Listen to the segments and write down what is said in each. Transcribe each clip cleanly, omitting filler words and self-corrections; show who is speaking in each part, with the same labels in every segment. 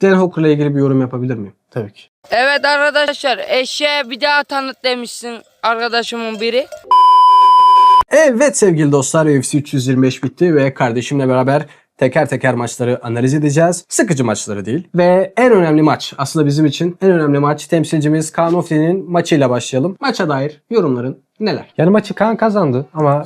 Speaker 1: Dan Hooker'la ilgili bir yorum yapabilir miyim?
Speaker 2: Tabii ki.
Speaker 3: Evet arkadaşlar, eşeğe bir daha tanıt demişsin arkadaşımın biri.
Speaker 1: Evet sevgili dostlar, UFC 325 bitti ve kardeşimle beraber teker teker maçları analiz edeceğiz. Sıkıcı maçları değil. Ve en önemli maç, aslında bizim için en önemli maç, temsilcimiz Kaan Ofli'nin maçıyla başlayalım. Maça dair yorumların neler?
Speaker 2: Yani maçı Kaan kazandı ama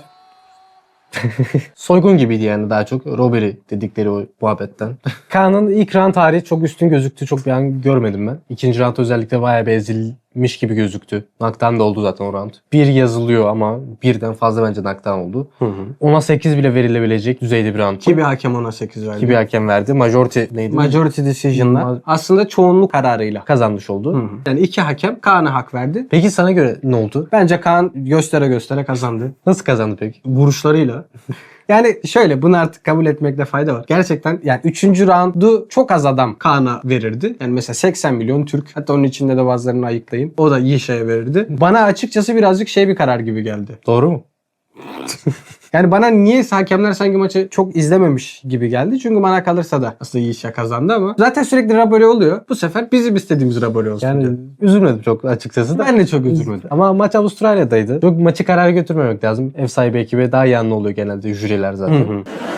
Speaker 2: soygun gibiydi yani, daha çok robbery dedikleri o muhabbetten. Kaan'ın ilk round tarihi çok üstün gözüktü. Çok bir an görmedim ben. İkinci round özellikle bayağı bir ezilmiş gibi gözüktü. Knockdown da oldu zaten o round. Bir yazılıyor ama birden fazla bence knockdown oldu. 10'a 8 bile verilebilecek düzeyde bir round.
Speaker 1: Ki bir hakem ona 8 verdi.
Speaker 2: Ki bir hakem verdi. Majority neydi?
Speaker 1: Majority decision'la. Aslında çoğunluk kararıyla
Speaker 2: Kazanmış oldu.
Speaker 1: Yani iki hakem Kaan'a hak verdi.
Speaker 2: Peki sana göre ne oldu?
Speaker 1: Bence Kaan göstere göstere kazandı.
Speaker 2: Nasıl kazandı peki?
Speaker 1: Vuruşlarıyla. Yani şöyle, bunu artık kabul etmekte fayda var. Gerçekten yani 3. roundu çok az adam Kaan'a verirdi. Yani mesela 80 milyon Türk. Hatta onun içinde de bazılarını ayıklayın. O da iyi şeye verirdi. Bana açıkçası birazcık bir karar gibi geldi.
Speaker 2: Doğru mu?
Speaker 1: Yani bana niyeyse hakemler sanki maçı çok izlememiş gibi geldi. Çünkü bana kalırsa da aslında iyi işe kazandı ama zaten sürekli rabole oluyor. Bu sefer bizim istediğimiz rabole olsun
Speaker 2: Yani
Speaker 1: diyor.
Speaker 2: üzülmedim çok açıkçası da.
Speaker 1: Ben de çok üzülmedim.
Speaker 2: Ama maç Avustralya'daydı. Çok maçı karara götürmemek lazım. Ev sahibi ekibe daha yanlı oluyor genelde jüriler zaten.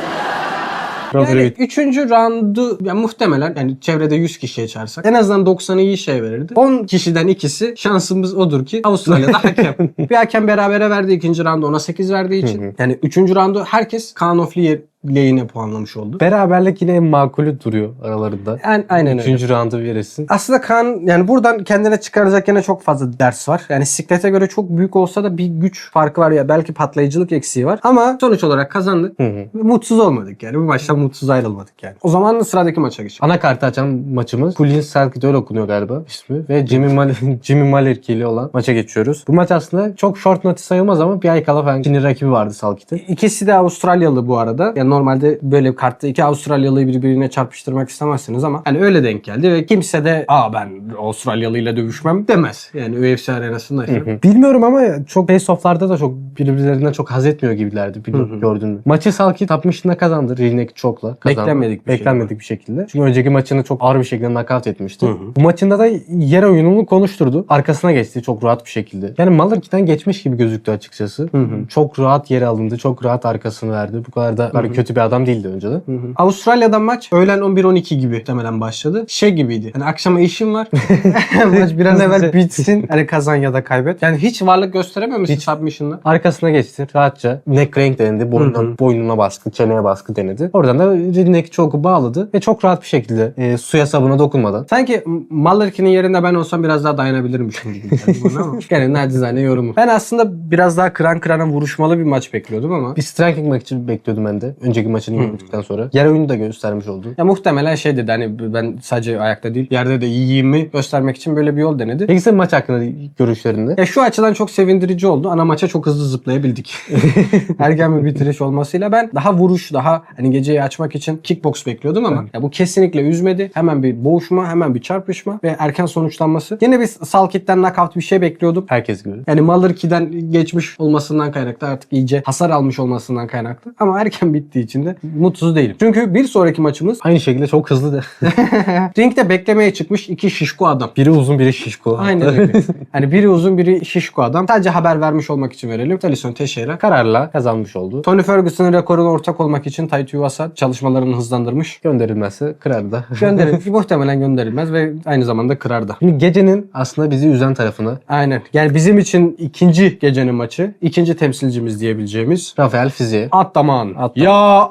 Speaker 1: Yani 3. roundu yani muhtemelen yani çevrede 100 kişiye çağırsak en azından 90'ı iyi şey verirdi. 10 kişiden ikisi, şansımız odur ki Avustralya'da hakem. Bir hakem berabere verdi, 2. roundu ona 8 verdiği için. Yani 3. roundu herkes Kaan Ofli lehine puanlamış oldu.
Speaker 2: Beraberlik yine en makulü duruyor aralarında.
Speaker 1: Aynen öyle.
Speaker 2: 3. roundu verirsin.
Speaker 1: Aslında Kaan yani buradan kendine çıkaracak yine çok fazla ders var. Yani siklete göre çok büyük olsa da bir güç farkı var ya, belki patlayıcılık eksiği var. Ama sonuç olarak kazandık. Mutsuz olmadık yani. Bu maçtan mutsuz ayrılmadık yani. O zaman sıradaki maça geçelim.
Speaker 2: Anakartı açan maçımız Kulin Selkit, öyle okunuyor galiba ismi. Ve Jimmy Malerki ile olan maça geçiyoruz. Bu maç aslında çok short notice sayılmaz ama bir ay kala falan Çinli rakibi vardı Selkit'in.
Speaker 1: İkisi de Avustralyalı bu arada. Yani normalde böyle kartta iki Avustralyalıyı birbirine çarpıştırmak istemezsiniz ama hani öyle denk geldi ve kimse de ben Avustralyalıyla dövüşmem demez. Yani UFC arenasında.
Speaker 2: Bilmiyorum ama çok face-off'larda da çok birbirlerinden çok haz etmiyor gibilerdi. Bilmiyorum, gördün mü? Maçı Selkit 60'ında kazandı. Ring'deki çokla kazandı. Beklenmedik bir şekilde. Çünkü önceki maçını çok ağır bir şekilde knockout etmişti. Bu maçında da yer oyununu konuşturdu. Arkasına geçti çok rahat bir şekilde. Yani Malarkey'den geçmiş gibi gözüktü açıkçası. Çok rahat yere alındı. Çok rahat arkasını verdi. Bu kadar da kötü bir adam değildi önceden.
Speaker 1: Avustralya'dan maç öğlen 11-12 gibi muhtemelen başladı. Gibi. Hani akşama işim var. Maç bir an evvel bitsin. Hani kazan ya da kaybet. Yani hiç varlık gösterememişsin submission'la.
Speaker 2: Arkasına geçti. Rahatça neck crank denedi. Boynuna baskı, çeneye baskı denedi. Oradan da neck choke'u bağladı ve çok rahat bir şekilde suya sabuna dokunmadan.
Speaker 1: Sanki Malarkey'nin yerinde ben olsam biraz daha dayanabilirmişim gibi geldi bana ama. Yani nacizane yorumu. Ben aslında biraz daha kıran kırana vuruşmalı bir maç bekliyordum ama.
Speaker 2: Bir striking maçı bekliyordum ben de. Önceki maçını gördükten sonra. Yer oyunu da göstermiş oldu.
Speaker 1: Ya muhtemelen dedi hani ben sadece ayakta değil yerde de iyiyimi göstermek için böyle bir yol denedi.
Speaker 2: Peki senin maç hakkında görüşlerinde?
Speaker 1: Ya şu açıdan çok sevindirici oldu. Ana maça çok hızlı zıplayabildik. Erken bir bitiriş olmasıyla ben daha vuruş, daha hani geceyi açmak için kickbox bekliyordum ama ya bu kesinlikle üzmedi. Hemen bir boğuşma, hemen bir çarpışma ve erken sonuçlanması. Yine bir Selkit'ten knockout bir şey bekliyordum.
Speaker 2: Herkes gibi.
Speaker 1: Yani Malarkey'den geçmiş olmasından kaynaklı, artık iyice hasar almış olmasından kaynaklı. Ama erken bittiği için de mutsuz değilim. Çünkü bir sonraki maçımız
Speaker 2: aynı şekilde çok hızlı da.
Speaker 1: ringde beklemeye çıkmış iki şişko adam.
Speaker 2: Biri uzun, biri şişko.
Speaker 1: Aynen öyle. Hani biri uzun, biri şişko adam. Sadece haber vermiş olmak için verelim. Thaleson Teixeira
Speaker 2: kararla kazanmış oldu.
Speaker 1: Tony Ferguson'ın rekoruna ortak olmak için Taito Iwasa çalışmalarını hızlandırmış.
Speaker 2: Gönderilmezse kırar da.
Speaker 1: Muhtemelen gönderilmez ve aynı zamanda kırar da.
Speaker 2: Şimdi gecenin aslında bizi üzen tarafına.
Speaker 1: Aynen. Yani bizim için ikinci gecenin maçı. İkinci temsilcimiz diyebileceğimiz
Speaker 2: Rafael Fiziev.
Speaker 1: Ataman. Ya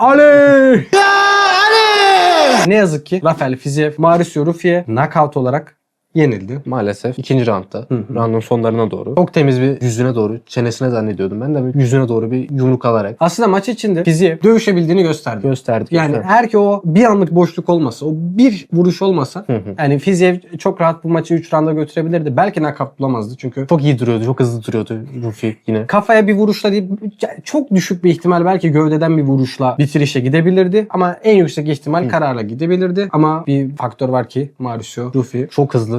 Speaker 1: Ali! Ne yazık ki Rafael Fiziev, Mauricio Ruffi'ye knockout olarak yenildi.
Speaker 2: Maalesef ikinci roundda. Roundun sonlarına doğru. Çok temiz bir yüzüne doğru. Çenesine zannediyordum. Ben de yüzüne doğru bir yumruk alarak.
Speaker 1: Aslında maç içinde Fiziev dövüşebildiğini gösterdi. Yani eğer ki o bir anlık boşluk olmasa, o bir vuruş olmasa yani Fiziev çok rahat bu maçı 3 rounda götürebilirdi. Belki knockout bulamazdı çünkü
Speaker 2: çok iyi duruyordu. Çok hızlı duruyordu Ruffi yine.
Speaker 1: Kafaya bir vuruşla değil, çok düşük bir ihtimal belki gövdeden bir vuruşla bitirişe gidebilirdi. Ama en yüksek ihtimal kararla gidebilirdi. Ama bir faktör var ki Mauricio Ruffi
Speaker 2: çok hızlı,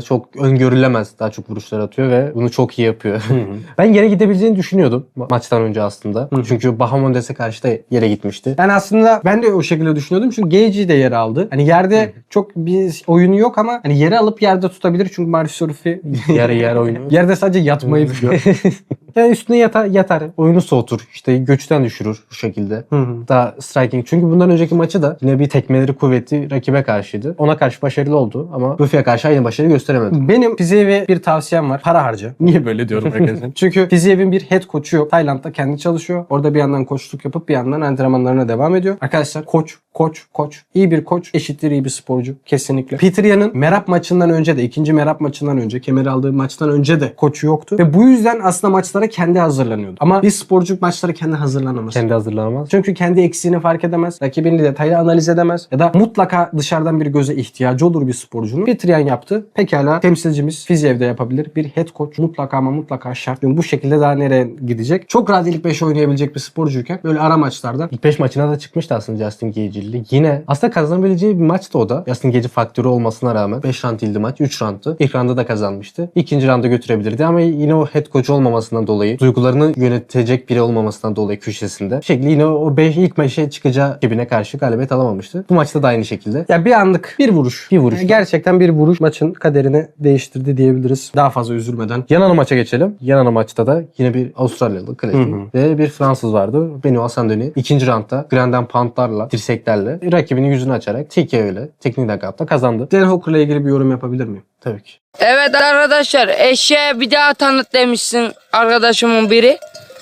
Speaker 2: çok öngörülemez daha çok vuruşlar atıyor ve bunu çok iyi yapıyor. Ben yere gidebileceğini düşünüyordum maçtan önce aslında. Çünkü Bahamondes'e karşı da yere gitmişti.
Speaker 1: Yani aslında ben de o şekilde düşünüyordum. Çünkü Gagey de yere aldı. Hani yerde çok bir oyunu yok ama hani yere alıp yerde tutabilir. Çünkü Marcus Orfi
Speaker 2: Yer oyunu.
Speaker 1: yerde sadece yatmayı biliyor.
Speaker 2: Yani üstüne yatar. Oyunu soğutur. İşte göçten düşürür bu şekilde. Daha striking. Çünkü bundan önceki maçı da yine bir tekmeleri kuvvetli rakibe karşıydı. Ona karşı başarılı oldu ama Buffy'ye karşı aynı başarı gösteremedi.
Speaker 1: Benim Fiziyev'e bir tavsiyem var. Para harca. Niye böyle diyorum arkadaşlar? Çünkü Fiziyev'in bir head coach'u yok. Tayland'da kendi çalışıyor. Orada bir yandan koçluk yapıp bir yandan antrenmanlarına devam ediyor. Arkadaşlar koç. İyi bir koç eşittir iyi bir sporcu. Kesinlikle. Peter Yan'ın Merab maçından önce de, ikinci Merab maçından önce, kemeri aldığı maçtan önce de koçu yoktu. Ve bu yüzden aslında maçlara kendi hazırlanıyordu. Ama bir sporcu maçlara kendi hazırlanamaz.
Speaker 2: Kendi hazırlanamaz.
Speaker 1: Çünkü kendi eksiğini fark edemez. Rakibini detaylı analiz edemez. Ya da mutlaka dışarıdan bir göze ihtiyacı olur bir sporcunun. Peter Yan yaptı. Pekala temsilcimiz Fiziyev'de yapabilir. Bir head coach mutlaka ama mutlaka şart. Bu şekilde daha nereye gidecek? Çok rahat ilk 5 oynayabilecek bir sporcuyken böyle ara maçlarda.
Speaker 2: İlk 5 maçına da çıkmıştı aslında Justin Gage'li. Yine aslında kazanabileceği bir maçtı o da. Justin Gage faktörü olmasına rağmen 5 round değildi maç. 3 roundtu. İlk roundda da kazanmıştı. İkinci rounda götürebilirdi ama yine o head coach olmamasından dolayı, duygularını yönetecek biri olmamasından dolayı köşesinde. Bir şekilde yine o ilk maçı çıkacağı rakibine karşı galibiyet alamamıştı. Bu maçta da aynı şekilde.
Speaker 1: Ya bir anlık bir vuruş.
Speaker 2: Bir vuruş.
Speaker 1: Yani gerçekten bir vuruş maçın kaderini değiştirdi diyebiliriz. Daha fazla üzülmeden.
Speaker 2: Yan ana maça geçelim. Yan ana maçta da yine bir Avustralyalı klasik ve bir Fransız vardı. Benoît Asandoni. İkinci roundda Grand'den poundlarla, dirseklerle rakibinin yüzünü açarak TKO ile teknik knockout'ta kazandı.
Speaker 1: Dan Hooker'la ilgili bir yorum yapabilir miyim?
Speaker 2: Tabii ki.
Speaker 3: Evet arkadaşlar, eşeğe bir daha tanıt demişsin arkadaşımın biri.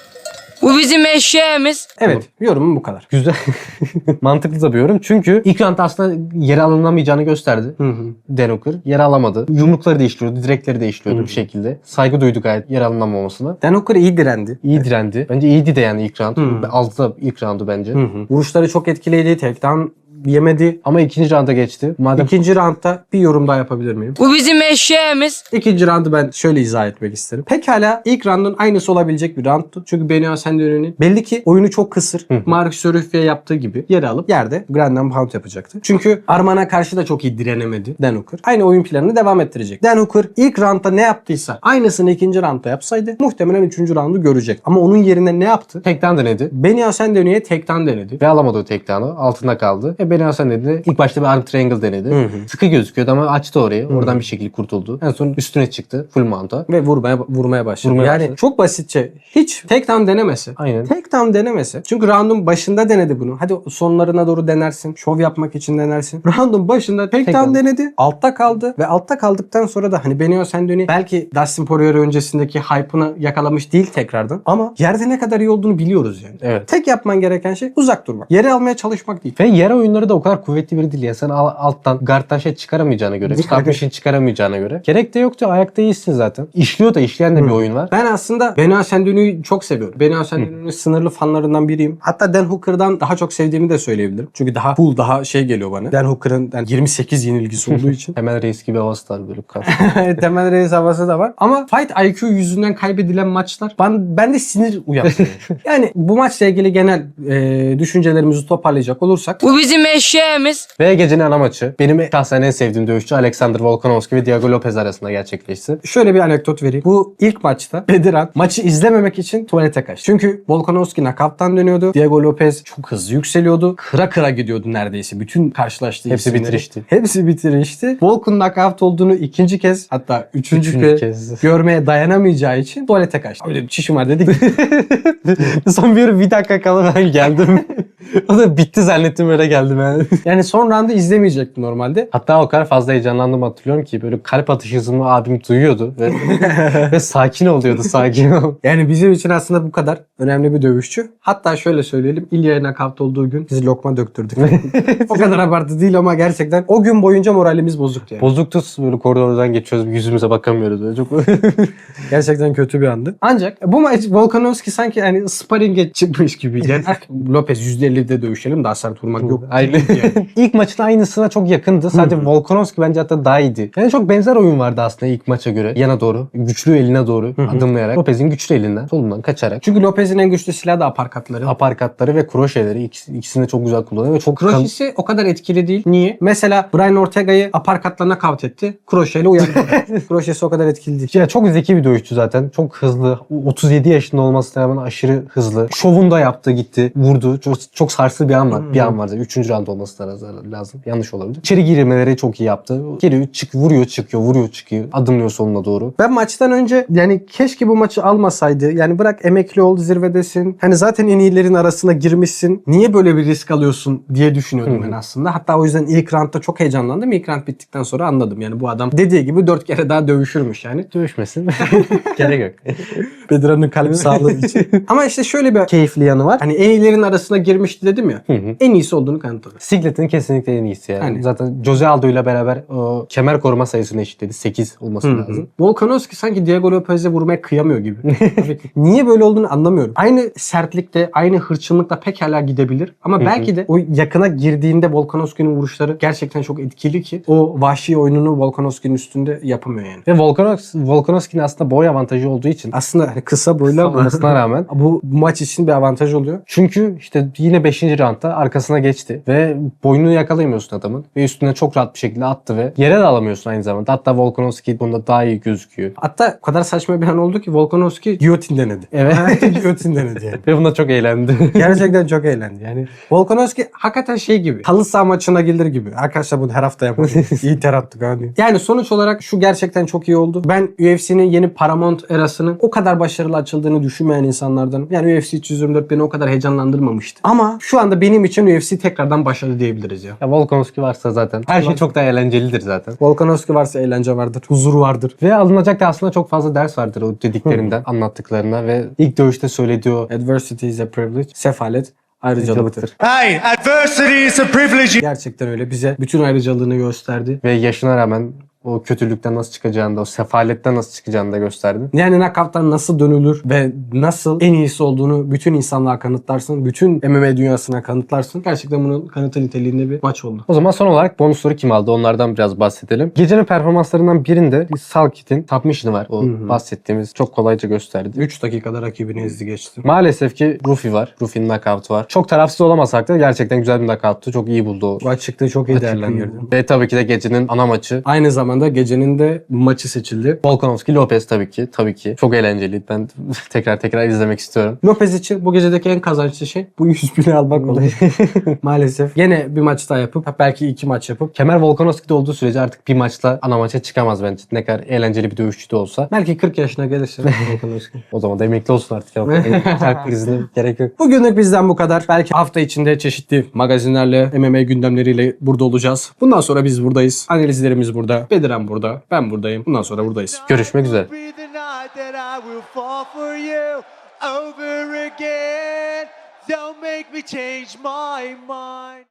Speaker 3: Bu bizim eşeğimiz.
Speaker 1: Evet, yorumum bu kadar.
Speaker 2: Güzel. Mantıklı da bir yorum. Çünkü ilk roundda aslında yere alınamayacağını gösterdi. Dan Hooker. Yere alamadı. Yumrukları değiştiriyordu. Direkleri değiştiriyordu bir şekilde. Saygı duydu gayet yere alınamamasına.
Speaker 1: Dan Hooker iyi direndi.
Speaker 2: İyi direndi. Bence iyiydi de yani ilk round. Aldı da ilk roundu bence.
Speaker 1: Vuruşları çok etkiliydi. Takedown yemedi.
Speaker 2: Ama ikinci rounda geçti. Madem
Speaker 1: İkinci roundda bir yorum daha yapabilir miyim?
Speaker 3: Bu bizim eşeğimiz.
Speaker 1: İkinci roundu ben şöyle izah etmek isterim. Pekala ilk roundun aynısı olabilecek bir roundtu. Çünkü Benoît Asandoni'nin belli ki oyunu çok kısır. Marcus Aurelius'e yaptığı gibi yere alıp yerde Grand Pound yapacaktı. Çünkü Arman'a karşı da çok iyi direnemedi Dan Hooker. Aynı oyun planını devam ettirecek. Dan Hooker ilk roundda ne yaptıysa aynısını ikinci roundda yapsaydı muhtemelen üçüncü roundu görecek. Ama onun yerine ne yaptı?
Speaker 2: takedown denedi.
Speaker 1: Benoît Asandoni'ye takedown denedi.
Speaker 2: Ve alamadı o takedown'u. Altında kaldı. Ve Benoît Asandoni ilk başta bir arm triangle denedi. Sıkı gözüküyordu ama açtı orayı. Oradan bir şekilde kurtuldu. En son üstüne çıktı. Full mount'a.
Speaker 1: Ve vurmaya başladı.
Speaker 2: Vurmaya
Speaker 1: yani
Speaker 2: başladı.
Speaker 1: çok basitçe hiç takedown denemesi.
Speaker 2: Aynen.
Speaker 1: Takedown denemesi. Çünkü round'un başında denedi bunu. Hadi sonlarına doğru denersin. Şov yapmak için denersin. Round'un başında takedown denedi. Altta kaldı. Ve altta kaldıktan sonra da hani Benoît Asandoni belki Dustin Poirier öncesindeki hype'ını yakalamış değil tekrardan. Ama yerde ne kadar iyi olduğunu biliyoruz yani.
Speaker 2: Evet.
Speaker 1: Tek yapman gereken şey uzak durmak. Yere almaya çalışmak değil.
Speaker 2: Ve yer oyunları da o kadar kuvvetli biri değil. Yani sen alttan guard'dan şey çıkaramayacağına göre, submission çıkaramayacağına göre. Gerek de yoktu. Ayakta iyisin zaten. İşliyor da işleyen de bir oyun var.
Speaker 1: Ben aslında Benoît Asandoni'yi çok seviyorum. Benoît Asandoni'nin sınırlı fanlarından biriyim. Hatta Dan Hooker'dan daha çok sevdiğimi de söyleyebilirim. Çünkü daha cool, daha şey geliyor bana. Dan Hooker'ın yani 28 yenilgisi olduğu için.
Speaker 2: Hemen reis gibi havası var böyle karşı.
Speaker 1: Temel reis havası da var. Ama fight IQ yüzünden kaybedilen maçlar bende sinir uyandırıyor. Yani bu maçla ilgili genel düşüncelerimizi toparlayacak olursak.
Speaker 3: Bu bizim eşeğimiz.
Speaker 2: Ve gecenin ana maçı. Benim şahsen en sevdiğim dövüşçü Alexander Volkanovski ve Diego Lopez arasında gerçekleşti.
Speaker 1: Şöyle bir anekdot vereyim. Bu ilk maçta Bediran maçı izlememek için tuvalete kaçtı. Çünkü Volkanovski knockout'tan dönüyordu. Diego Lopez çok hızlı yükseliyordu. Kıra kıra gidiyordu neredeyse. Bütün karşılaştığı
Speaker 2: Hepsi
Speaker 1: isimleri.
Speaker 2: bitirişti.
Speaker 1: Hepsi bitirişti. Volk'un knockout olduğunu ikinci kez hatta üçüncü
Speaker 2: Üçüncü
Speaker 1: kez
Speaker 2: kez.
Speaker 1: görmeye dayanamayacağı için tuvalete kaçtı. Öyle bir çişim var dedik.
Speaker 2: Son bir dakika kala ben geldim. O da bitti zannettim öyle geldim yani.
Speaker 1: Yani son roundu izlemeyecektim normalde.
Speaker 2: Hatta o kadar fazla heyecanlandım hatırlıyorum ki böyle kalp atış hızımı abim duyuyordu ve sakin oluyordu sakin ol.
Speaker 1: Yani bizim için aslında bu kadar önemli bir dövüşçü. Hatta şöyle söyleyelim. İlya'ya nakavt olduğu gün biz lokma döktürdük. O kadar abartı değil ama gerçekten o gün boyunca moralimiz bozuktu yani.
Speaker 2: Bozuktu böyle koridordan geçiyoruz yüzümüze bakamıyoruz. Böyle çok
Speaker 1: Gerçekten kötü bir andı. Ancak bu maç Volkanovski sanki hani sparring'e çıkmış gibi. Yani Lopez %50 150'de dövüşelim. Daha sert vurmak yok.
Speaker 2: Aynı.
Speaker 1: Yani.
Speaker 2: İlk maçın aynısına çok yakındı. Sadece Volkanovski bence hatta daha iyiydi. Yani çok benzer oyun vardı aslında ilk maça göre. Yana doğru, güçlü eline doğru adımlayarak. Lopez'in güçlü elinden, solundan kaçarak.
Speaker 1: Çünkü Lopez'in en güçlü silahı da aparkatları.
Speaker 2: Aparkatları ve kroşeleri ikisini de çok güzel kullanıyor ve çok
Speaker 1: Kroşesi o kadar etkili değil. Niye? Mesela Brian Ortega'yı aparkatlarına kavt etti. Kroşeyle uyandırdı. Kroşesi o kadar etkili değil.
Speaker 2: Ya çok zeki bir dövüşçü zaten. Çok hızlı. 37 yaşında olmasına rağmen aşırı hızlı. Şovunu da yaptı gitti. Vurdu. Çok sarsılı bir an var. Bir an var. 3. round olması da lazım. Yanlış olabilir. İçeri girmeleri çok iyi yaptı. Giriyor, vuruyor, çıkıyor, vuruyor, çıkıyor. Adımlıyor sonuna doğru.
Speaker 1: Ben maçtan önce yani keşke bu maçı almasaydı. Yani bırak emekli ol, zirvedesin. Hani zaten en iyilerin arasına girmişsin. Niye böyle bir risk alıyorsun diye düşünüyordum ben aslında. Hatta o yüzden ilk roundda çok heyecanlandım. İlk round bittikten sonra anladım. Yani bu adam dediği gibi 4 kere daha dövüşürmüş yani.
Speaker 2: Dövüşmesin. Gerek yok.
Speaker 1: Bedirhan'ın kalp sağlığı için. Ama işte şöyle bir keyifli yanı var. Hani en iyilerin arasına girmişti dedim ya. En iyisi olduğunu kanıtladı.
Speaker 2: Siglet'in kesinlikle en iyisi yani.
Speaker 1: Hani.
Speaker 2: Zaten Jose Aldo ile beraber o kemer koruma sayısını eşitledi. 8 olması lazım.
Speaker 1: Volkanovski sanki Diego Lopez'e vurmaya kıyamıyor gibi. Niye böyle olduğunu anlamıyorum. Aynı sertlikte, aynı hırçınlıkla pekala gidebilir. Ama belki de o yakına girdiğinde Volkanovski'nin vuruşları gerçekten çok etkili ki o vahşi oyununu Volkanovski'nin üstünde yapamıyor yani.
Speaker 2: Ve Volkanovski'nin aslında boy avantajı olduğu için
Speaker 1: Aslında kısa boylu ama
Speaker 2: olmasına rağmen
Speaker 1: bu maç için bir avantaj oluyor.
Speaker 2: çünkü işte yine 5. roundda arkasına geçti ve boynunu yakalayamıyorsun adamın ve üstüne çok rahat bir şekilde attı ve yere de alamıyorsun aynı zamanda. Hatta Volkanovski bunda daha iyi gözüküyor.
Speaker 1: Hatta o kadar saçma bir an oldu ki Volkanovski giyotin denedi.
Speaker 2: Evet.
Speaker 1: Giyotin denedi yani.
Speaker 2: Ve bunda çok eğlendi.
Speaker 1: Gerçekten çok eğlendi. Yani Volkanovski hakikaten şey gibi. Halı saha maçına gelir gibi. Arkadaşlar bunu her hafta yapalım. İyi ter attık hani. Yani sonuç olarak şu gerçekten çok iyi oldu. Ben UFC'nin yeni Paramount erasının o kadar başarılı açıldığını düşünmeyen insanlardanım. Yani UFC 324 beni o kadar heyecanlandırmamıştı. Ama şu anda benim için UFC tekrardan başladı diyebiliriz ya.
Speaker 2: Ya Volkanovski varsa zaten her şey çok daha eğlencelidir zaten.
Speaker 1: Volkanovski varsa eğlence vardır. Huzur vardır.
Speaker 2: Ve alınacak da aslında çok fazla ders vardır o dediklerinden, anlattıklarına ve ilk dövüşte söylediği o
Speaker 1: Adversity is a privilege. Sefalet ayrıcalıktır.
Speaker 4: Hey, adversity is a privilege.
Speaker 1: Gerçekten öyle. Bize bütün ayrıcalığını gösterdi.
Speaker 2: ve yaşına rağmen o kötülükten nasıl çıkacağını da, o sefaletten nasıl çıkacağını da gösterdi.
Speaker 1: Yani knockout'tan nasıl dönülür ve nasıl en iyisi olduğunu bütün insanlığa kanıtlarsın. Bütün MMA dünyasına kanıtlarsın. Gerçekten bunun kanıtı niteliğinde bir maç oldu.
Speaker 2: O zaman son olarak bonusları kim aldı? Onlardan biraz bahsedelim. Gecenin performanslarından birinde Salkit'in submission'ı var. O bahsettiğimiz çok kolayca gösterdi.
Speaker 1: 3 dakikada rakibini ezdi geçti.
Speaker 2: Maalesef ki Rufi var. Rufi'nin knockout'u var. Çok tarafsız olamasak da gerçekten güzel bir knockout'tu. Çok iyi buldu o.
Speaker 1: Maç çıktı çok iyi değerlendirdi.
Speaker 2: Ve tabii ki de gecenin ana maçı.
Speaker 1: Aynı zamanda gecenin de maçı seçildi.
Speaker 2: Volkanovski Lopez tabii ki. Tabii ki. Çok eğlenceliydi. Ben tekrar izlemek istiyorum.
Speaker 1: Lopez için bu gecedeki en kazançlı şey bu 100 bini almak oldu. Maalesef. Yine bir maç daha yapıp belki 2 maç yapıp
Speaker 2: Kemer Volkanovski'de olduğu sürece artık bir maçla ana maça çıkamaz bence. Ne kadar eğlenceli bir dövüşçü de olsa.
Speaker 1: belki 40 yaşına gelirse Volkanovski.
Speaker 2: O zaman da emekli olsun artık. Kalp krizine gerek yok.
Speaker 1: Bugünlük bizden bu kadar. Belki hafta içinde çeşitli magazinlerle, MMA gündemleriyle burada olacağız. Bundan sonra biz buradayız. Analizlerimiz burada. Bedirhan burada. Ben buradayım. Bundan sonra buradayız.
Speaker 2: Görüşmek üzere.
Speaker 4: Be the night that I will fall for you over again. Don't make me change my mind.